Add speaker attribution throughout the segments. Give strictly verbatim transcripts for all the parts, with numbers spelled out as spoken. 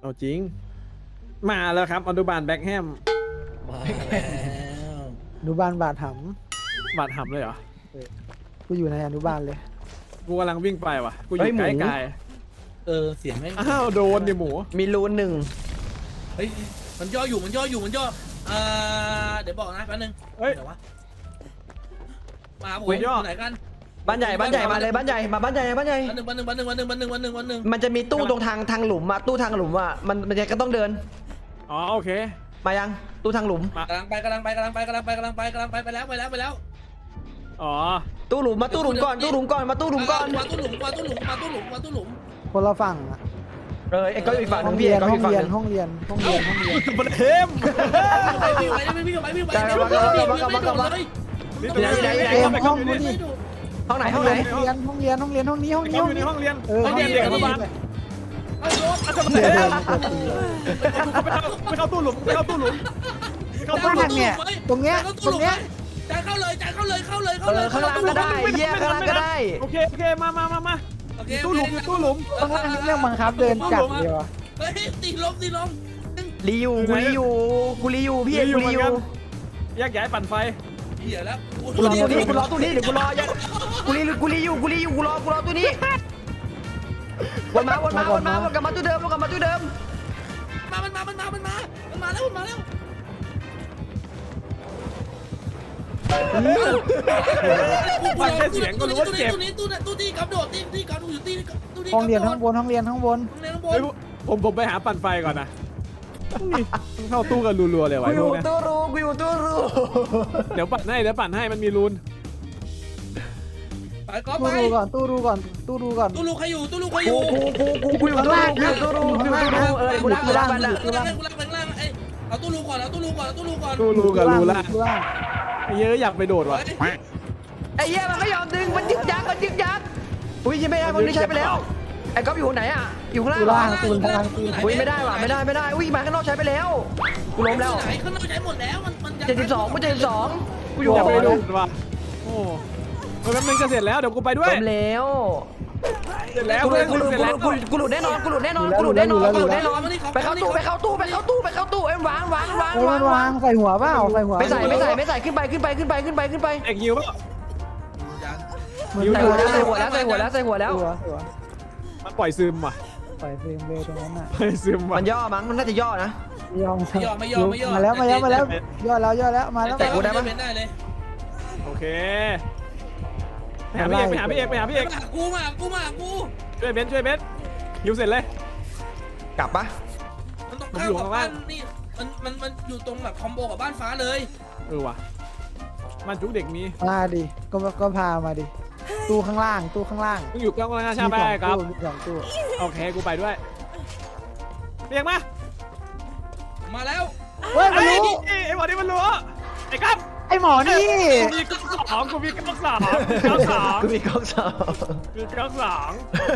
Speaker 1: เอาจริงมาแล้วครับอนุบาลแบ็คแฮม
Speaker 2: มาแล้ว
Speaker 3: อนุบาลบาดห
Speaker 1: บาดหำเลยเหรอ
Speaker 3: ำกูอยู่ในอนุบาลเลย
Speaker 1: กูกำลังวิ่งไปว่ะกูอยู่ใกล้ไกล
Speaker 2: เออเสียงไม่
Speaker 1: อ้าวโดนดิหมู
Speaker 4: มีรูนหนึ่ง
Speaker 2: เฮ้ยมันย่ออยู่มันย่ออยู่มันย่ออ่าเดี๋ยวบอกนะแป๊บนึง
Speaker 1: เฮ้ย
Speaker 2: เดี๋ยววะมาผมอยู่ไหนกัน
Speaker 4: บ้านใหญ่บ้านใหญ่มาเลยบ้านใหญ่มาบ้านใหญ่บ้านใหญ่
Speaker 2: วันหนึ่งวันหนึ่งวันหนึ่งวันหนึ่งวันหนึ่งวันหนึ่งวันหนึ่ง
Speaker 4: มันจะมีตู้ตรงทางทางหลุมอะตู้ทางหลุมอะมันมันจะก็ต้องเดิน
Speaker 1: อ๋อโอเค
Speaker 4: มายังตู้ทางหลุม
Speaker 2: กำลังไปกำลังไปกำลังไปกำลังไปกำลังไปกำลังไปไปแล้วไปแล้วไปแล้ว
Speaker 1: อ๋อ
Speaker 4: ตู้หลุมมาตู้หลุมก่อนตู้หลุมก่อนมาตู้หลุมก่อน
Speaker 2: มาตู้หลุมมาตู้หลุมมาตู้หลุมมาตู้หลุม
Speaker 3: คนละฝั่งอะ
Speaker 4: เออไอ้ก็อยู่อีกฝั่งห
Speaker 3: ห้
Speaker 4: นึ
Speaker 3: อง
Speaker 4: งพี่
Speaker 3: เรียน
Speaker 4: ไอ้ก็
Speaker 3: ห้
Speaker 4: อ
Speaker 3: อยู่ ง
Speaker 4: อีกฝั่ง
Speaker 3: เรีย
Speaker 4: ห
Speaker 3: น
Speaker 4: นึง
Speaker 3: ห้องเรียนห้องเรียนห้องเรียน
Speaker 1: บนเทม
Speaker 2: ไปพี่ไปพี่ไปพี่ไปพี่ไปเลย
Speaker 1: นี่ตรงนี้
Speaker 3: เกมห้องนู้นดิ
Speaker 4: ห้องไหนห้องไหน
Speaker 3: ห้องเรียนห้องเรียนห้องเรียนห้องนี้ห้องนี้
Speaker 1: เขา
Speaker 3: ห้อง
Speaker 1: อยู่ใน
Speaker 3: นี้
Speaker 1: ห้องเรียน
Speaker 3: เออ
Speaker 1: ห้องเรียนเด็กอนุบาล
Speaker 2: เอาโยน
Speaker 1: อาจจะมา
Speaker 3: เดี๋ยว
Speaker 1: เท
Speaker 3: เดิ
Speaker 1: ม
Speaker 3: นมาตีเลย
Speaker 1: ไม่เข้าตู้หลุมไม่เข้าตู้หลุมไม่เข้าตู้หลุม
Speaker 3: ข้างเนี่ยตรงเนี้ยตรงเนี้ย
Speaker 2: จ่ายเข้าเลยจ่ายเข้าเลยเข้าเลย
Speaker 4: เอ
Speaker 2: เข้าเลย
Speaker 4: อข้างล่างก็ได้แยกข้างล่างก็ได้
Speaker 1: โอเคโอเคมามามามา
Speaker 2: โอเค
Speaker 1: ตู้หลุมอยู่ตู้หลุม
Speaker 3: ข้างล่างนี่เรื่องบังคับเดินจับเดียวอะ
Speaker 2: เฮ้ยตีลมตีลม
Speaker 4: รีอยู่กูรีอยู่กูรีอยู่พี่เอกกูรีอยู่
Speaker 1: แยกย้ายปั่นไฟ
Speaker 2: เหี้ยแล้ว
Speaker 4: กูรอตู้นี้กูรอตู้นี้เดี๋ยวกูรอยังกูรีกูรีอยู่กูรีอยู่กูรอกูรอตู้นี้วนมาวนมาวนมาวนกลับมาตู้เดิมวนกลับมาตู้เดิม
Speaker 2: มามันมามันมามันมามันมาแล้วมันมาแล้ว
Speaker 1: ฟังแค่เสียงก็รู้ว่าเจ็บ
Speaker 2: ตู้นี้ตู้นี้ตู้ที่กระโดดที่ที่กระโดดอยู่ที่ตู้ที่
Speaker 3: ห้องเรียนข้างบนห้องเรียนข้างบน
Speaker 2: ห้องเรียนข้างบ
Speaker 1: เฮ้
Speaker 2: น
Speaker 1: ยผมผมไปหาปั่นไฟก่อนนะนี่เข้าตู้กันรัวๆเลย
Speaker 4: กู
Speaker 1: วะ
Speaker 4: อ
Speaker 1: พว
Speaker 4: ยู่
Speaker 1: กเนี้ย
Speaker 4: ตู้รูกูอยู่ตู้รู
Speaker 1: เดี๋ยวปั่นให้เดี๋ยวปั่นให้มันมีรูน
Speaker 2: ไปก็
Speaker 3: ตู้
Speaker 2: ไป
Speaker 3: รูก่อนตู้รูก่อนตู้รูก่อน
Speaker 2: ตู้ลูกใครอยู่ตู้ลูกใครอ
Speaker 4: กู
Speaker 2: ยู่
Speaker 4: กูกูกูกูอยู่ตู้รูกูอยู่ตู้รูกูอยู่ตู้รูเออกูรักกูรักมันละ
Speaker 2: กูรักกูรักแบงล่างไอ้เอาตู้ลูกก่อนเอาตู้ลูกก่อนเอาตู้ลูกก่อน
Speaker 1: ตู้รูกับรูละ
Speaker 3: ตู้ล่าง
Speaker 1: เยอะอยากไปโดดว่ะ
Speaker 4: ไอ้เหี้ยมันไม่ยอมดึงมันยึกยักมันยึกยักอุ้ยยังไม่ได้มันนี่ใช้ไปแล้วไอ้ก๊อฟอยู่ไหนอ่ะอยู่ข้างล่าง
Speaker 3: ตู้ล่างตู้ล่างตู้
Speaker 4: อุ้ยไม่ได้ว่ะไม่ได้ไม่ได้อุ้ยมาข้างนอกใช้ไปแล้วกูล้มแล้ว
Speaker 2: ไหนข้างนอกใช้หมดแล้วมันมัน
Speaker 4: เจ็ดสิบสองกูเจ็ดสิบสองกูอยู่
Speaker 1: อยาก
Speaker 4: ห
Speaker 1: ไป
Speaker 4: อ
Speaker 1: โด
Speaker 4: ดู
Speaker 1: ดว่ะโอ้เฮ้ยแป๊บนึงจะเสร็จแล้วเดี๋ยวกูไปด้วย
Speaker 4: ล้มแล้ว
Speaker 1: เสร็จแล้ว
Speaker 4: กูห
Speaker 1: เพื่
Speaker 4: ลุ
Speaker 1: อน
Speaker 4: ดกู
Speaker 1: กู
Speaker 4: หลุด
Speaker 1: เสร็จแล้ว
Speaker 4: กูหลุดกูหลุดแน่นอนกูหลุดแน่นอนกูหลุดแน่นอนกูหลุดแน่นอนไปเข้าตู้ไปเข้าตู้ไปเข้าตู้ไปเข้าตู้เอ็มวางวางวาง
Speaker 3: เฮ้ยว
Speaker 4: าง
Speaker 3: วางใส่หัวเปล่าใส่หัว
Speaker 4: ไม่ใส่ไม่ใส่ไม่ใส่ขึ้นไปขึ้นไปขึ้นไปขึ้นไปขึ้นไป
Speaker 1: เอกยิวป่ะ
Speaker 3: เหมือน
Speaker 1: อยู่
Speaker 4: ใส่หัวแล้วใส่หัวแล้วใส่หัวแล้วใส่หัวแล้ว
Speaker 3: หัวหัว
Speaker 1: มันปล่อยซึมว่ะ
Speaker 3: ใส่เฟรมเลยตรงนั้นน่ะ
Speaker 1: ปล่อยซึมว่ะ
Speaker 4: มันย่อมั้งมันน่าจะย่อนะ
Speaker 3: ยอม
Speaker 2: ไม่ยอมไม่ยอมไม่ยอม
Speaker 3: มาแล้วมาแล้วมาแล้วย่อแล้วย่อแล้วมาแล้ว
Speaker 2: แต่กูได้ปะได้เลย
Speaker 1: โอเคไปหาพี่เอกไปหาพี่เอกไปหาพี่เอก
Speaker 2: มากูมากูมากู
Speaker 1: ช่วยเบนซ์ช่วยเบนซ์ยิวเสร็จเลย
Speaker 4: กลับปะ
Speaker 2: มันต้องข้ามกับบ้านนี่มันมันมันอยู่ตรงแบบคอมโบกับบ้านฟ้าเลย
Speaker 1: เออว่ะมันจุกเด็กมี
Speaker 3: มาดิก็ก็พามาดิตู้ข้างล่างตู้ข้างล่าง
Speaker 1: มึงอยู่กลางกลางชาไปครับ
Speaker 3: มีสองตู้
Speaker 1: โอเคกูไปด้วยเรียกมา
Speaker 2: มาแล้ว
Speaker 3: เฮ้ยมัน
Speaker 1: ไอ้
Speaker 3: รู้
Speaker 1: ไอ้หมอนี่มันรู้ไอ้ครับ
Speaker 3: ไอหมอนี่
Speaker 1: กูมีก๊อกสองกูมีก๊อกสองก๊อกสอง
Speaker 4: กูมีกล้องสอง
Speaker 1: มีก๊อกสอง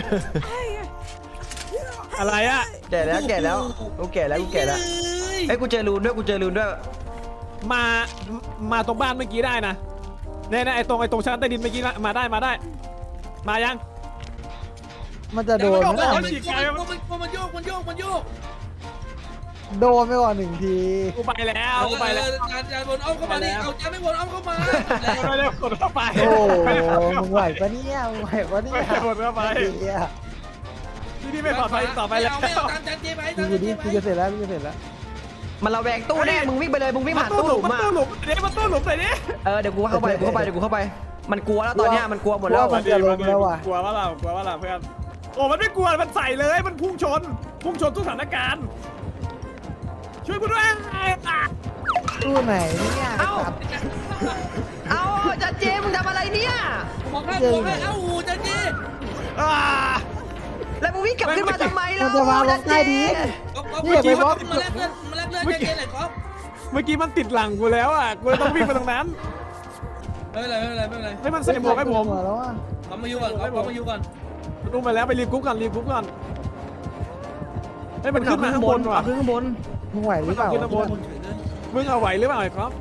Speaker 1: อะไรอะ
Speaker 4: แก่แล้วแก่แล้วกูแก่แล้วกูแก่แล้วไอ้กูเจอรูนด้วยกูเจอรูนด้วย
Speaker 1: มามาตรงบ้านเมื่อกี้ได้นะเนี่ยนะไอ้ตรงไอ้ตรงชั้นใต้ดินเมื่อกี้มาได้มาได้ มายัง
Speaker 3: มันจะโดนไหม
Speaker 2: มัน
Speaker 3: ล่ะ
Speaker 2: มันมันโยกมันโยกมันโยก
Speaker 3: โดนไปก่อนหนึ่งที
Speaker 1: กูไปแล้วกูไปแล้ว
Speaker 2: จานจานบนอ้อมเข้ามาดิเอาจานไม่บนอ้อมเข้ามา
Speaker 1: ไปเร็วกดเข้าไป
Speaker 3: โอ้มึงไหวปะเนี่ยมึงไหวปะเนี่ย
Speaker 1: กดเข้าไป
Speaker 3: เหี้ย
Speaker 1: ที่นี่ไม่ปลอดภัยต่อไปแล้ว
Speaker 2: ไม่เอาตามจานเจไป
Speaker 3: ดู
Speaker 2: ตาม
Speaker 3: ดิ
Speaker 2: เจ
Speaker 3: กู
Speaker 2: ไป
Speaker 3: จะเสร็จแล้วกูจะเสร็จแล้ว
Speaker 4: มันระแวงตู้แน่มึงวิ่งไปเลยมึงวิ่งผ่านตู้หลุม
Speaker 1: มัน
Speaker 4: อ่ะ
Speaker 1: ตู้หลุมเดี๋ยวมันตู้หลุมใส่ดิ
Speaker 4: เออเดี๋ยวกูเข้าไปเดี๋ยวกูเข้าไปเดี๋ยวกูเข้าไปมันกลัวแล้วตอนเนี้ยมันกลัวหมดแล้ว
Speaker 3: มันจะลงแล้วว่ะ
Speaker 1: กลัวว่าเรากลัวว่าเราเพื่อนโอ้มันไม่กลัวมันใส่เลยมันพุ่งชนพุ่งชนทุกสถานการณ์ช่วยกูด้วย
Speaker 3: ตู้ไหนเนี่ย
Speaker 4: เอ้าเอาจันเจมึงทำอะไรเนี่ย
Speaker 2: มองให้มองให้เอ้าหูจานเจ
Speaker 1: อ่า
Speaker 4: แล้วมึงวิ่งกลับขึ้นมาทำไม
Speaker 3: มั
Speaker 4: ล่ะ
Speaker 3: นจะวางลงใต้ดิน
Speaker 2: ก๊อฟก๊อฟ
Speaker 3: นี่อย่าไปบล็อก
Speaker 2: มาแลกเลือดมาแลกเลือดจานเจหน่อยก๊อฟ
Speaker 1: เมื่อกี้มันติดหลังกูแล้วอ่ะกูเลยต้องวิ่งไปตรงนั้น
Speaker 2: ไม่เป็นไรไม่เป็นไรไม่เป็นไร
Speaker 1: ให้มันใส่หมวกให้ผม
Speaker 3: แล้วอ่ะ
Speaker 2: ก๊อฟมาอยู่ก่อนก๊อฟก๊อฟมาอยู่ก่อน
Speaker 1: ลงไปแล้วไปรีบกุ๊กก่อนรีบกุ๊กก่อนให้มันขึ้นมาข้างบนว่ะ
Speaker 4: ขึ้นข้างบน
Speaker 3: มึงไหวหรือเปล่า
Speaker 1: ขึ้นข้างบน มึงเอาไหวหรือเปล่าไอ้ครับ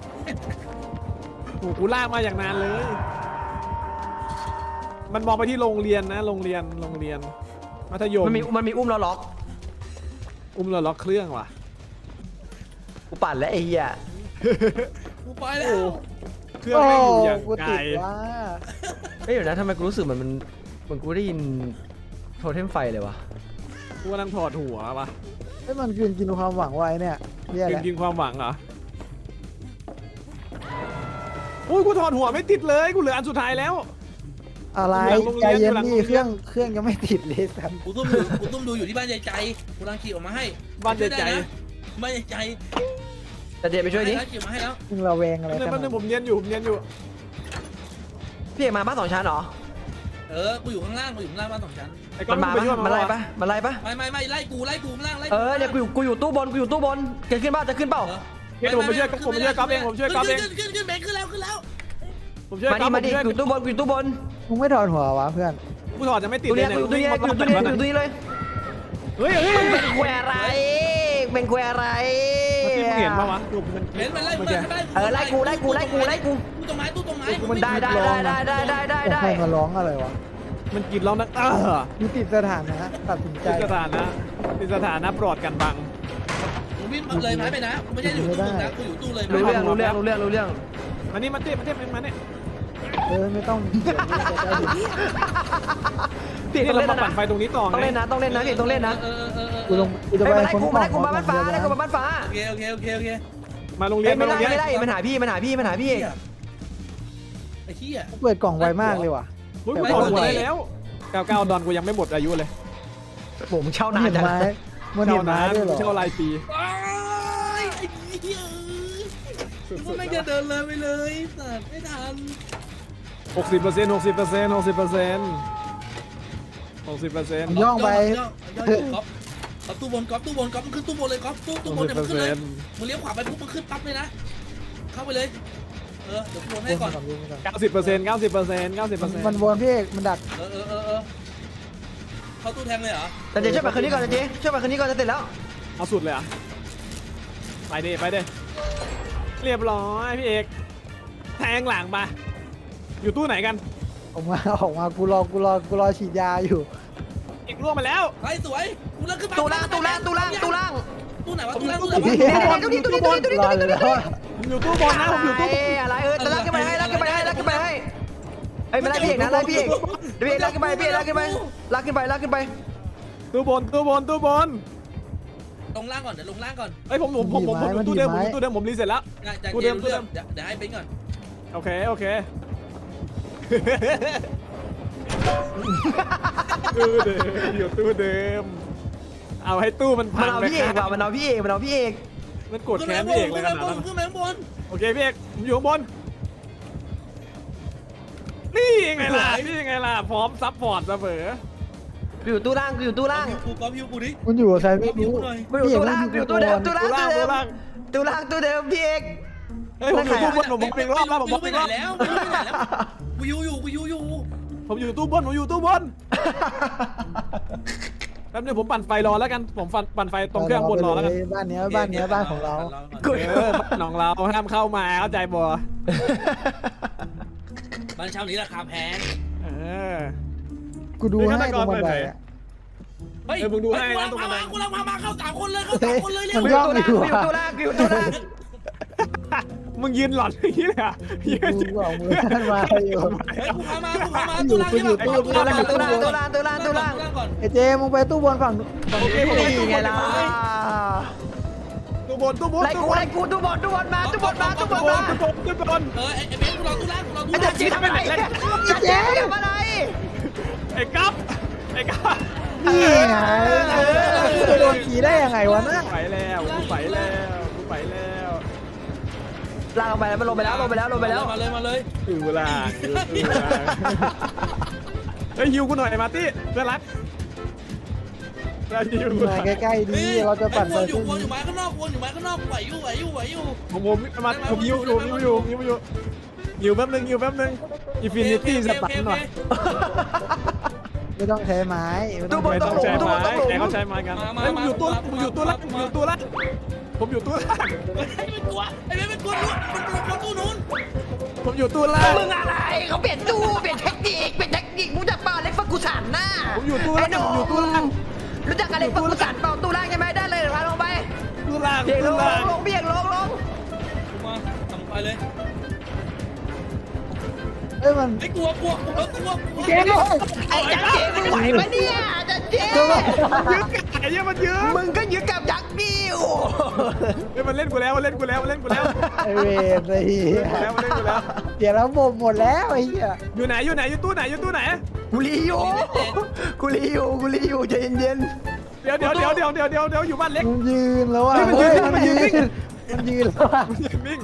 Speaker 1: โอ้กูลากมาอย่างนานเลย มันมองไปที่โรงเรียนนะโรงเรียนโรงเรียนมัธยม
Speaker 4: มันมีมันมีอุ้มเราล็อก
Speaker 1: อุ้มเราล็อกเครื่องว่ะ
Speaker 4: กูปั่นแล้วไอ้เหี้ย
Speaker 2: กูไปแล้ว
Speaker 1: เครื่อง
Speaker 3: โอ้
Speaker 1: ไม่งอยู่อย่าง
Speaker 3: กู
Speaker 1: ไกล
Speaker 3: ติดว่า
Speaker 4: เฮ้ยเดี๋ยวนะทำไมกูรู้สึกเหมือนมันเหมือนกูได้ยินโทเทมไฟเลยวะ
Speaker 1: กูกำลังถอดหัวว่ะ
Speaker 3: ไอ้ยมันกินกินความหวังไว้เนี่ยเหี้ย
Speaker 1: กิ
Speaker 3: แห
Speaker 1: น
Speaker 3: ละ
Speaker 1: กินความหวังเหรออุ้ยกูถอดหัวไม่ติดเลยกูเหลืออันสุดท้ายแล้ว
Speaker 3: อะไร
Speaker 1: อยู่หลังโรงเรี
Speaker 3: ใจ
Speaker 1: ยน
Speaker 3: เย็น
Speaker 1: อยู่หลัง
Speaker 3: นี่
Speaker 1: โรงเรียน
Speaker 3: เครื่องเครื่องยังไม่ติดเลยสัน
Speaker 2: กูตุ้มดูกูตุ้มดูอยู่ที่บ้านใจใจกูรังขี่ออกมาให้
Speaker 1: บ้านใจใจ
Speaker 2: ช่วยได้นะบ้านใจใจ
Speaker 4: แต่เจไปช่วยดิ
Speaker 2: ให้ขี่ออกมาให้แล้ว
Speaker 3: มึงระแวงอะไร
Speaker 1: นึง
Speaker 3: ข
Speaker 1: แป๊
Speaker 3: นา
Speaker 1: บ
Speaker 3: ด
Speaker 1: นึงผมเนียนอยู่ผมเนียนอยู่
Speaker 4: พี่เอกมาบ้านสองชั้นเหรอ
Speaker 2: เออกูอยู่ข้างล่างกูอยู่ข้างล่างบ้านสองชั้น
Speaker 1: ไอ้ก้อ
Speaker 4: มัน นมา
Speaker 1: ไป
Speaker 4: ปะ
Speaker 1: ช่วย
Speaker 4: มันไล่
Speaker 1: ว
Speaker 4: ปะมันไล่ปะ
Speaker 2: ไม่ไม่ไม่ไล่กูไล่กูข้างล่างไล่
Speaker 4: เออเนี่ยกูอยู่กูอยู่ตู้บนกูอยู่ตู้บนจะขึ้นเปล่าจะขึ้นเปล่า
Speaker 1: เฮ้ยเดี๋ยวผมไปช่วยผมไปช่วยก๊อฟเองผมช่วยก๊อฟเอง
Speaker 2: ขึ้นขึ้นขึ้นขึ้นขึ้นแล้วขึ้นแล้ว
Speaker 1: ผมช่วย
Speaker 4: มา
Speaker 1: ก๊
Speaker 4: ดิ
Speaker 1: อฟ
Speaker 4: มาดิ
Speaker 1: ผช่วย
Speaker 4: อยู่ตู้บนอยู่ตู้บน
Speaker 3: มึงไม่ถอดหัววะเพื่อน
Speaker 1: กูถอดจะไม่ติด
Speaker 4: ตู้
Speaker 1: เล
Speaker 4: เนี้
Speaker 1: ย
Speaker 4: ยอยู่ตู้เนี้ยอยู่ตู้เนี้ยอยู่ตู้นี้เลย
Speaker 1: เฮ้ยเฮ้ย
Speaker 4: เป็นแควอะไรเป็นแควอะไร
Speaker 1: เมื่อกี้มึงเห็นปะวะดูมัน
Speaker 2: เห็นมันไล่
Speaker 1: เมื่
Speaker 2: มั
Speaker 1: อน กี้
Speaker 2: ไล่
Speaker 4: เออไล่กูไล่กูไล่กูไล่กู
Speaker 2: ตู้ต้นไม้ตู้ต้นไม้
Speaker 4: มันได้ได้ได้ได้ได้ได้ได้ได้
Speaker 3: ใครมาร้องอะไรวะ
Speaker 1: มันกินแล้วนะเออ
Speaker 3: มีติดสถานะตัดสินใจ
Speaker 1: ติดสถานะติดสถานะปลอดกันบัง
Speaker 2: มึงวิ่งเลยไม้ไปนะกูไม่ใช่อยู่ตู้มึงนะกูอยู่ตู้เลย
Speaker 4: รู้เรื่องรู้เรื่องรู้เรื่องรู้เรื่อง
Speaker 1: มานี่มาเต้มาเต้มาเนี่ย
Speaker 3: เออไม่ต้องเดี๋ยวนี้จะได้ดู
Speaker 4: พี่
Speaker 1: นี่
Speaker 4: ต้อง
Speaker 1: เรา
Speaker 4: เล่น
Speaker 1: มา
Speaker 4: นะ
Speaker 1: ปั่นไฟตรงนี้ต่อ
Speaker 4: ต้องเล่นนะต้องเล่นนะพี่ต้องเล่นนะ
Speaker 2: เออเออเออ
Speaker 3: กูลงกูจะ
Speaker 4: เฮ้ย
Speaker 3: ไป
Speaker 4: มาไล่
Speaker 3: คน
Speaker 4: กู
Speaker 3: ข
Speaker 4: มา
Speaker 3: อ
Speaker 4: ไล่
Speaker 3: ง
Speaker 4: กูมาบ้านฟ้าไล่กูมาบ้านฟ้า
Speaker 2: โอเคโอเคโอเคโอเค
Speaker 1: มาโรงเรีย
Speaker 4: เฮ้
Speaker 1: น
Speaker 4: ยไม่
Speaker 1: มาโร
Speaker 4: ไล่
Speaker 1: งเรียน
Speaker 4: ไม่ไล่มันหาพี่มันหาพี่มันหาพี่เอง
Speaker 2: ไอ้เหี้ย
Speaker 3: เปิดกล่องไวมากเลยว่ะ
Speaker 1: กูถอดหัวได้แล้วเก้าเก้าดอนกูยังไม่หมดอายุเลย
Speaker 4: ผมเช่า
Speaker 3: มัน
Speaker 4: นาน
Speaker 3: เห็น
Speaker 4: จัง
Speaker 3: ไม้มันเห็นไม้ด้วยเหรอ
Speaker 1: เช่ารายปี
Speaker 2: ไอ้เหี้ยกูไม่จะเดินเลยไปเลยสัตว์ไม่ทัน
Speaker 1: หกสิบเปอร์เซ็นต์หกสิบเปอร์เซ็นต์หกสิบเปอร์เซ็นต์หกสิบเปอร์เซ็นต์
Speaker 3: ย่องไป
Speaker 2: ย่องย่องก๊อฟก๊อฟตู้บนก๊อฟตู้บนก๊อฟมันขึ้นตู้บนเลยก๊อฟตู้ตู้บนเนี่ยมันขึ้นเลยมึงเลี้ยวขวาไปปุ๊บมันขึ้นปั๊บเลยนะเข้าไปเลยเออเดี๋ยวกูวนให้ก่อน
Speaker 1: เก้าสิบเปอร์เซ็นต์เก้าสิบเปอร์เซ็นต์เก้าสิบเปอร์เซ็นต์
Speaker 3: มันวนพี่เอกมันดัก
Speaker 2: เออเออเออเออเข้าตู้แทงเลยเหรอ
Speaker 4: แต่เจ๊ช่วยไปคืนนี้ก่อนเจ๊ช่วยไปคืนนี้ก่อนจะเสร็จแล้ว
Speaker 1: เอาสุดเลยอ่ะไปดิไปดิเรียบร้อยพี่เอกแทงหลังมาอยู่ตู้ไหนกัน
Speaker 3: ออกมาออกมากูรอกูรอกูรอฉีดยาอยู่
Speaker 1: อีกล่วงมาแล้ว
Speaker 2: ไอ้สวยกูเลิกขึ้นมา
Speaker 4: ตู้ล่างตู้ล่างตู้ล่างตู้ล่าง
Speaker 2: ตู้ไหนวะตู้ล่างตู้ไหน
Speaker 3: พี่
Speaker 2: วะ
Speaker 4: ตู้นี้ตู้นี้ตู้นี้ตู้นี้
Speaker 3: รออยู่แล้วอะ
Speaker 1: ผมอยู่ตู้บอลนะผมอยู่ตู้บอล
Speaker 4: อะไรเออลากขึ้นไปให้ลากขึ้นไปให้ลากขึ้นไปให้เอ้ยไม่ไล่พี่เอกนะไล่พี่เอกพี่เอกลากขึ้นไปพี่เอกลากขึ้นไปลากขึ้นไปลากขึ้นไป
Speaker 1: ตู้บอลตู้บอลตู้บอล
Speaker 2: ลงล่างก่อนเดี๋ยวลงล่างก่อน
Speaker 1: เอ้ยผมผมผมผมผมอยู่ตู้เดิมผมอยู่ตู้เดิมผมรีเสร็จแล้ว
Speaker 2: จาก
Speaker 1: ตู้
Speaker 2: เก
Speaker 1: เดิม
Speaker 2: ม
Speaker 1: ตู้เดิ
Speaker 2: เรื่อ
Speaker 1: ม
Speaker 2: งเดี๋ยวเดี๋ยวให้เบนก่อน
Speaker 1: โอเคโอเคตู้เดิมอยู่ตู้เดิมเอาให้ตู้มันพั
Speaker 4: มัน
Speaker 1: ง
Speaker 4: เอา
Speaker 1: ไป
Speaker 4: พี่เอกว่ะมันเอาพี่เอกมันเอาพี่เอก
Speaker 1: มันกดแค้นพี่เอกเลยขนาดนั้น
Speaker 2: ขึ้นไปข้างบน
Speaker 1: โอเคพี่เอกผมอยู่ข้างบนนี่ไงล่ะนี่ไงล่ะพร้อมซัพพอร์ตเสมอ
Speaker 4: กูอยู่ตู้ล่างกูอยู่ตู้ล่าง
Speaker 2: กูก๊อฟฮิวกูดิ
Speaker 3: มันอยู่กับใครไม่รู้
Speaker 4: กูอยู่ตู้ล่างกูอยู่ตู้เดิมตู้ล่าง
Speaker 1: ตู้
Speaker 4: ตู้
Speaker 1: ล่าง
Speaker 4: เดิ
Speaker 1: ตู้
Speaker 4: ม
Speaker 1: ล่าง
Speaker 4: ตู้ล่างตู้เดิมพี่เอก
Speaker 1: เฮ้ยผมอยู่ตู้บนผมบอกเป็นรอบแล้วผมบอก
Speaker 2: ไป
Speaker 1: เป็น
Speaker 2: ไหน
Speaker 1: รอบ
Speaker 2: แล้วไปไหนแล้วกูยูอยู่กูยูอยู่
Speaker 1: ผมอยู่ตู้บนผมอยู่ตู้บนแป๊บนึงผมปั่นไฟรอแล้วกันผมปั่นปั่นไฟตรงเครื่องบนรอแล้วกัน
Speaker 3: บ้านเนี้ยบ้านเนี้ยบ้านของเรา
Speaker 4: กู
Speaker 1: เออบ้านของเราห้ามเข้ามาเข้าใจบ่
Speaker 2: บ้านเช่านี้ราคาแพง
Speaker 1: เออ
Speaker 3: กูดูให้ตรงบันไดอะ
Speaker 2: เฮ้ยกูลังพามากูลังพามาเข้าสามคนเลยเข้าสามคนเลยเร็ว
Speaker 3: มัน
Speaker 4: กู
Speaker 3: ย่
Speaker 4: อ
Speaker 3: อง
Speaker 4: ยู่ตู้ล่างกูอยู่ตู้ล่างกูอยู่ตู้ล่าง
Speaker 1: มึงยืนหลอนอย่างนี้เลยอ่ะยืน
Speaker 3: กูบอกมือท่านมาอยู่
Speaker 2: เฮ้ยกูพามากูพามาตู้ล่างนี่
Speaker 4: ตู้ล่างตู้ล่างตู้ล่างตู้ล่างตู้ล่าง
Speaker 2: ก่อน
Speaker 3: ไอเจมึงไปตู้บนฝั่ง
Speaker 1: โอเคผม
Speaker 4: นี่ไงล่ะ
Speaker 1: ตู้บนตู้บน
Speaker 4: ไล่
Speaker 1: ตู้
Speaker 4: กู
Speaker 1: บน
Speaker 4: ไล่กูตู้บอลตู้บอลมาตู้บอลมาตู้บอล
Speaker 1: ตู้บ
Speaker 4: มาน
Speaker 1: ตู้บน
Speaker 2: เออไอ้เบนกูรอตู้ล่างกูรอตู้
Speaker 4: ไอ้
Speaker 2: ล่า
Speaker 4: เด็
Speaker 2: ง
Speaker 4: กจีทำอะไรไอ้เจ๊ทำอะไร
Speaker 1: ไอ้กั๊บไอ้กั๊บ
Speaker 3: นี่ไงจะโดนขี่ได้ยังไงวะน่ะ
Speaker 1: ไปแล้วกูไปแล้วกูไปแล้ว
Speaker 4: ลากลงไปแล้วมันลงไปแล้วลงไปแล้วลงไปแล้ว
Speaker 2: มาเลยมาเลย
Speaker 1: อยู่ล่างอยู่ล่างเฮ้ยฮิวกูหน่อยมาร์ตี้เพื่อนรักแล้วฮิวกูหน่
Speaker 3: มา
Speaker 1: อย
Speaker 3: ใกล้ๆดีเราจะปั่น
Speaker 2: ว
Speaker 3: ไป
Speaker 2: นอยู่
Speaker 3: ตู้
Speaker 2: วนอยู่
Speaker 3: นี้
Speaker 2: ไม้ข้างนอกวนอยู่ไม้ข้างนอกไหวอยู่ไหวอยู่ไหวอยู่
Speaker 1: ผมผมมาผมฮิวอยู่ฮิวอยู่ฮิวอยู่ฮิวแป๊บนึงฮิวแป๊บนึงอินฟินิตี้สปันหน่อย
Speaker 3: ไม่ต้องใช้ไม้ไม่ต้อง
Speaker 1: ไม่ต้องใช้ไม้แต่เขาใช้ไม้กันเฮ้ยผมอยู่ตู้ผมอยู่ตู้ล่างผมอยู่ตู้ล่างผมอยู่ตู้ล่าง
Speaker 2: ไอ้เป็นกลัวไอ้เป็นกลัวมันกลัวตู้นู้น
Speaker 1: ผมอยู่ตู้ล่าง
Speaker 4: มึงอะไรเขาเปลี่ยนตู้เปลี่ยนเทคนิคเปลี่ยนเทคนิคมึงจะเปล่าเล็กฟักกูสันหน้า
Speaker 1: ผมอยู่ตู้ล่างผมอยู่ตู้ล่าง
Speaker 4: รู้จักอะไรฟักกูสันเปล่าตู้ล่างใช่ไหมได้เลย
Speaker 1: ล่าง
Speaker 4: เบียงล
Speaker 1: ตู้
Speaker 4: งล
Speaker 1: ล่าง
Speaker 4: งลงเบียงลงลง
Speaker 2: กูมาทำไปเลย
Speaker 3: เอ้ยมัน
Speaker 2: ไอ้กลัวกลัวกลัวกลัวกลัว
Speaker 3: เจ๊เลย
Speaker 4: ไอ้จันเจมึงไหวปะเนี่ยจันเจ
Speaker 1: ยึดไอ้เหี้ยมันยึด
Speaker 4: มึงก็ยึดกับยักษ์ดิว
Speaker 1: เฮ้ยมันเล่นกูแล้วมันเล่นกูแล้วมันเล่นกูแล้ว
Speaker 3: ไอเวรไอ้เหี้ย
Speaker 1: มันเล่นกูแล้วมันเล่นกูแล้ว
Speaker 3: เดี๋ยวเราบ่มหมดแล้วไอ้เหี้ย
Speaker 1: อยู่ไหนอยู่ไหนอยู่ตู้ไหนอยู่ตู้ไหน
Speaker 4: กูรีอยู่กูรีอยู่กูรีอยู่ใจเย็น
Speaker 1: เดี๋ยวเดี๋ยวเดี๋ยวเดี๋ยวเดี๋ยวเดี๋ยวเดี๋ยวอยู่บ้านเล็ก
Speaker 3: มันยืนแล้วอ่ะ
Speaker 1: เฮ้ยมันยืน
Speaker 3: เฮ้ย
Speaker 1: มันยืน
Speaker 3: มันยืนแล้วอ่ะ
Speaker 1: มันยืนนิ่ง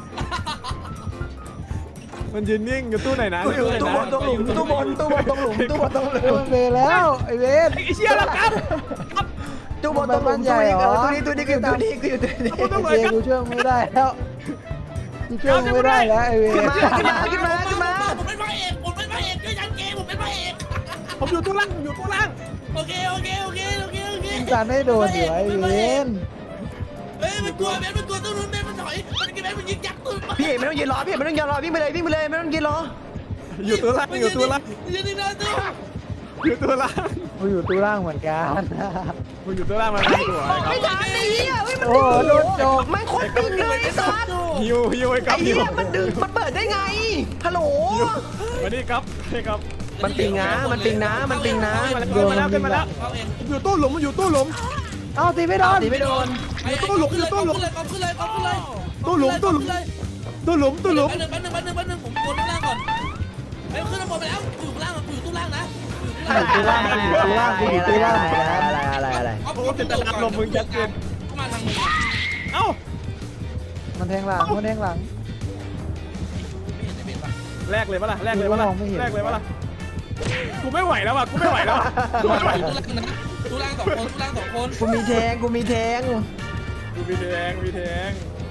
Speaker 1: มันยืนนิ่งอยู่ตู้ไหนนะ
Speaker 4: ๆกูอยู่ตู้บนตรงหลุมตู้บนตู้บนตรงหลุมตู้บนตรงหลุ
Speaker 3: เฮ้ย
Speaker 4: ม
Speaker 3: มันเวรแล้วไอเวร
Speaker 1: ไอ้เชี่ยแล้วครับ
Speaker 4: ตู้บนตรงหลุมตู้นี้เออตู้นี้ตู้นี้คือตู้นี้กูอยู่ตู้นี้
Speaker 1: กูต้อง
Speaker 3: ไอเจกูช่วยมึงไม่ได้แล้วกูช่วยมึงไม่ได้แล้วไอเวร
Speaker 4: ขึ้นมาขึ้นมาขึ้นมาขึ้นมา
Speaker 2: ผมเป็นพระเอกผมเป็นพระเอกด้วยจันเจผมเป็นพระเอก
Speaker 1: ผมอยู่ตู้ล่างผมอยู่ตู้ล่าง
Speaker 2: โอเคโอเคโอเคโอเคโอเค
Speaker 3: มึงการให้โดนอยู่ไอเวร
Speaker 2: เฮ้ยมันกลัวเบนมันกลัวตู้นู้นเบนมันถอยมันกินเบนมันยิงยักษ์ตู้
Speaker 4: พี่ไม่ต้องยืนรอพี่ไม่ต้องยืนรอวิ่งไปเลยวิ่งไปเลยไม่ต้องยืนรอ
Speaker 1: อยู่ตู้ล่างอยู่ตู้ล่าง
Speaker 2: ยืนนี่นะตู้
Speaker 1: อยู่ตู้ล่าง
Speaker 3: กูอยู่ตู้ล่างเหมือนกัน
Speaker 1: กูอยู่ตู้ล่างมาไม่ตัวครับ
Speaker 4: ไม่ทันไอ้เหี้ยเฮ้ยมัน
Speaker 3: โอ้โหโดนโจก
Speaker 4: ไม่คนปิงเลยไอ้สัส
Speaker 1: ฮิวฮิวไอ้ค
Speaker 4: ไอ้
Speaker 1: รับฮิ
Speaker 4: เหี้
Speaker 1: วย
Speaker 4: มันดึงมันเปิดได้ไงฮัลโหล
Speaker 1: มานี่ครับนี่ครับ
Speaker 4: มันปิงนะมันปิงนะมันปิงนะ
Speaker 1: มาแล้วมาแล้วขึ้นมาแล้ว
Speaker 2: เขาเอง
Speaker 1: อยู่ตู้หลุมมันอยู่ตู้หลุม
Speaker 3: เอ้าตีไม่โดน
Speaker 4: ตีไม่โดน
Speaker 2: ตู้หลุมขึ้นเลยขึ้นเลยขึ้นเลยขึ้นเลย
Speaker 1: ตู้หลุมตู้หลุมตู้หลุมตู้หลุม
Speaker 2: แป๊บนึงแป๊บนึงแป๊บนึงผมกดข้างล่างก่อนเฮ้ยขึ้นข้างบนไปแล้วอยู่ข้างล่างอยู่ตู้ล่างนะ
Speaker 3: ตู้ล่างตู้ล่างกูอยู่ตู้ล่างเหมือนกัน
Speaker 4: อะไรอะไรอะไร
Speaker 2: เข้ามาทางมือ
Speaker 1: เอ้า
Speaker 3: มันแทงหลังมันแทงหลัง
Speaker 2: ไม่เห็นในเบนปะ
Speaker 1: แลกเลยปะล่ะแลกเลยปะล่ะ
Speaker 3: มองไม่เห็น
Speaker 1: แลกเลยปะล่ะกูไม่ไหวแล้วอ่ะกูไม่ไหวแล้วกูไม่ไหว
Speaker 2: ตู้ล่างนะตู้ล่างสองคนตู้ล่างสองคน
Speaker 4: กูมีแทงกูมีแทง
Speaker 1: กูมีแทงมีแทง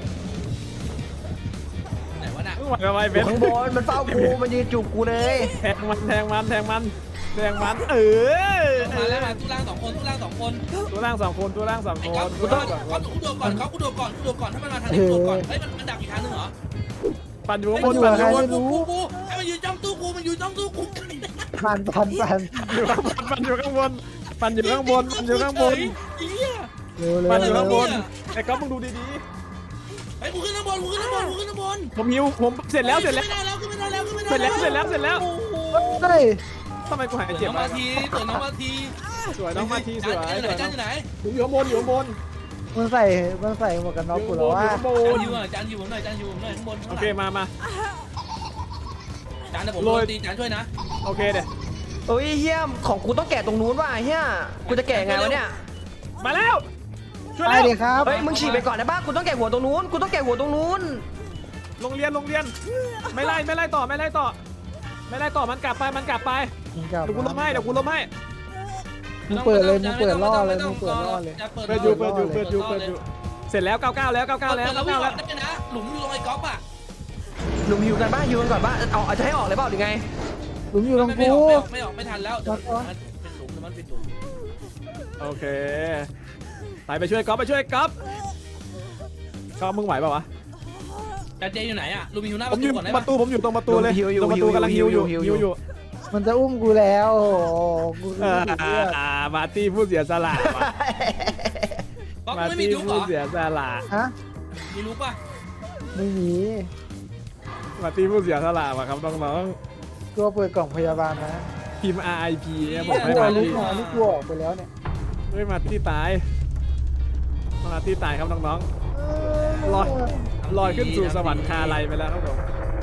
Speaker 2: ไหนวะน่ะ
Speaker 1: มึงไหวทำไม
Speaker 4: อ
Speaker 1: เบ
Speaker 4: ยู่
Speaker 1: น
Speaker 4: ข้างบนมันเฝ้ากูมันยืนจูบกูเลย
Speaker 1: แทงมันแทงมันแทงมันแทงมันเออ
Speaker 2: มาแล้วมาตู้ล่างสองคนตู้ล่างสองคน
Speaker 1: ตัวล่างสองคนตัวล่างสอง
Speaker 2: ไอ้
Speaker 1: ค
Speaker 2: ก๊อฟ
Speaker 1: น
Speaker 2: กู
Speaker 1: ตัว
Speaker 2: โด
Speaker 1: ล่าง
Speaker 2: น
Speaker 1: สองค
Speaker 2: ก๊อน ฟกูโดนก่อนก๊อฟกูโดนก่อนกูโดนก่อนถ้ามันมาทางนี้กูโดนก่อนเฮ้ยมันมันดักอีกทางนึงเหรอ
Speaker 1: ปั่นอยู่ข้างบ
Speaker 3: มัน
Speaker 1: น
Speaker 3: อยู่
Speaker 1: ปั่น
Speaker 3: กับ
Speaker 1: อ
Speaker 3: ใคร
Speaker 1: ยู่ข้างบน
Speaker 3: ไม่รู้
Speaker 2: กูไอ้มันยืนจ้องตู้กูมันยืนจ้องตู้กู
Speaker 3: พันพันพัน
Speaker 1: อยู่ข้างบนปั่นอยู่ข้างบนปั่นอยู่ข้างบนปั่นอยู่ข้างบน
Speaker 2: เหี้ย
Speaker 3: เร็วเร็ว
Speaker 1: ปั่นอยู่
Speaker 3: เร็
Speaker 1: ข้างบ
Speaker 3: วน
Speaker 1: ไอ้ก๊อฟมึงดูดี
Speaker 2: ไอ้กูขึ้นข้างบนกูขึ้นข้างบนกูขึ้นข้างบน
Speaker 1: ๆผมหิวผมเสร็จแล้วเสร็จแล้ว
Speaker 2: ไม่ได้แล้วขึ้นไม่ได้แล้วขึ้นไม่ได้
Speaker 1: เสร็จแล้วเสร็จแล้วเสร็จแล้ว
Speaker 2: โอ้โห
Speaker 3: เฮ้ย
Speaker 1: ทำไมกูหาย
Speaker 2: เจ็
Speaker 1: เจ็
Speaker 2: บบ น้อง
Speaker 1: อ่ะ
Speaker 2: มาทีเตือนน้องมาที
Speaker 1: สวยน้องมาทีสวย
Speaker 2: จานอยู่ไหนจานอยู่ไหน
Speaker 1: ผมอยู่ข้างบนอยู่ข้างบน
Speaker 3: มันใส่มันใส่หมวกกันน็อกกูแล้วว่า
Speaker 1: อยู่ข้างบ
Speaker 2: จาน
Speaker 1: น
Speaker 2: อยู่หน่อยจานอยู่ผมหน่อยจานอยู่ผมหน่อยข้างบน
Speaker 1: โอเคมามา
Speaker 2: จานแต่ผมโดนตีจานช่วยนะ
Speaker 1: โอเคเดี๋ยว
Speaker 4: โอ้ยเฮียของกูต้องแกะตรงนู้นว่ะเฮียกูจะแกะไงวะเนี่ย
Speaker 1: มาแล้วช่วย
Speaker 3: ไป
Speaker 1: แล้ว
Speaker 3: ดิครับ
Speaker 4: เฮ้ยมึงฉีกไปก่อนได้ป่ะกูต้องแกะหัวตรงนู้นกูต้องแกะหัวตรงนู้น
Speaker 1: โรงเรียนโรงเรียนไม่ไล่ไม่ไล่ต่อไม่ไล่ต่อ ไม่ไล่ต่อมันกลับไปมันกลับไป
Speaker 3: มึงกลับ
Speaker 1: เดี๋ยวกูล้มให้เดี๋ยวกูล้มให้
Speaker 3: มึงเปิดเลยมึงเปิดล่อเลยมึงเปิดล่อเลย
Speaker 1: เปิดอยู่เปิดอยู่เปิดอยู่เปิดอยู่เสร็จแล้วเก้าเก้าแล้วเก้าเก้าแล้ว
Speaker 2: แล้
Speaker 1: เก้าว
Speaker 2: วิ่
Speaker 1: เก้าง
Speaker 2: อ
Speaker 1: แล้
Speaker 2: อ
Speaker 1: ว
Speaker 2: กได้นะหลุมอยู่ตรงไอ้ก๊อฟอ่ะ
Speaker 4: หนุ่มหิวกันป่ะหิวกันก่อนป่ะเอาเอาจะให้ออกเลยเปล่าหรือไง
Speaker 3: หลุมอยู่ตรง
Speaker 2: ไม่
Speaker 3: กู
Speaker 2: ออกไม่ออกไม่ทันแล้วมันเป็นหลุมมันเป็นหลุม
Speaker 1: โอเคไปไปช่วยก๊อฟไปช่วยก๊อฟก๊อฟมึงไหวเปล่าวะ
Speaker 2: จานเจอยู่ไหนอ่ะลูมิวหน้าป
Speaker 1: ผม
Speaker 2: ระ
Speaker 1: อยู่
Speaker 2: ตูก่อนได้
Speaker 1: ป
Speaker 2: ปะ
Speaker 1: ระตูผมอยู่ตรงประตูเลยตรงประตูกำลังฮิวอยู่ฮิวอยู่
Speaker 3: มันจะอุ้มกูแล้วโอ้โหกู
Speaker 1: อ่า
Speaker 3: รู้สึกเลือด
Speaker 1: มาร์ตี้ผู้เสียสละว่ะ
Speaker 2: ก๊อฟ
Speaker 1: มาร์
Speaker 2: ไม่มี
Speaker 1: ตี้
Speaker 2: จุ๊บเหร
Speaker 1: ผู้
Speaker 2: อ
Speaker 1: เสียสละ
Speaker 3: ฮะ
Speaker 2: มีรู้ป่ะ
Speaker 3: ไม่มี
Speaker 1: มาร์ตี้ผู้เสียสละว่ะครับน้อง
Speaker 3: ตัวเปิดกล่องพยาบาลนะ
Speaker 1: ๆพิมพ์ อาร์ ไอ พี เนี่ยผม
Speaker 3: ก
Speaker 1: ให้
Speaker 3: ลัว
Speaker 1: มาร์
Speaker 3: ลูก
Speaker 1: ตี้
Speaker 3: หมอนี่กลัวออกไปแล้วเนี่ย
Speaker 1: เฮ้ยมาร์ตี้ตายมาร์ตี้ตายครับน้องๆลอยลอยขึ้นสู่สวรรค์คาไลไปแล้วครับผม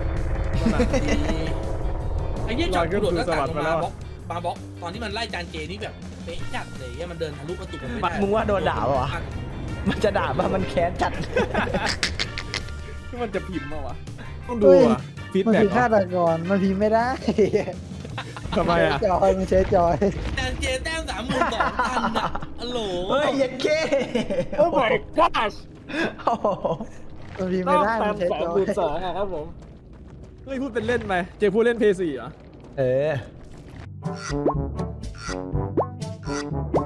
Speaker 2: ไอ้เหี้ยจอดกระโดดหน้าต่างลงมาบล็อกมาบล็อกตอนที่มันไล่จานเจนี่แบบเป๊ะจัดเลยเนี่ยมันเดินทะลุประตูไม่ได้
Speaker 4: มึงว่าโดนด่าป่ะวะมันจะด่าป่ะมันแค้นจัด
Speaker 1: ที่มันจะพิมพ์มาวะต้องดูอ่ะฟีด
Speaker 3: มัน
Speaker 1: แบ็ก
Speaker 3: คือฆาตกรมันพิมพ์ไม่ได้
Speaker 1: ทำไมอ่ะ
Speaker 3: จอยมันใช้จอย
Speaker 2: จานเจแต้มสามหมื่นสองพันอ่ะฮัลโหล
Speaker 4: เฮ้ยเย็นเก้
Speaker 1: โอ้ my god
Speaker 4: โอ้โห
Speaker 3: มันพิมพ์
Speaker 1: ต้
Speaker 3: ไม่
Speaker 1: อง
Speaker 3: ได้
Speaker 1: ตา
Speaker 3: มั
Speaker 1: ม
Speaker 3: นใช้
Speaker 1: สอง
Speaker 3: จอ
Speaker 1: คู
Speaker 3: ย
Speaker 1: ณสองอะครับผมเฮ้ยพูดเป็นเล่นไปเจพูดเล่นเพย์สี่เหรอ
Speaker 4: เออ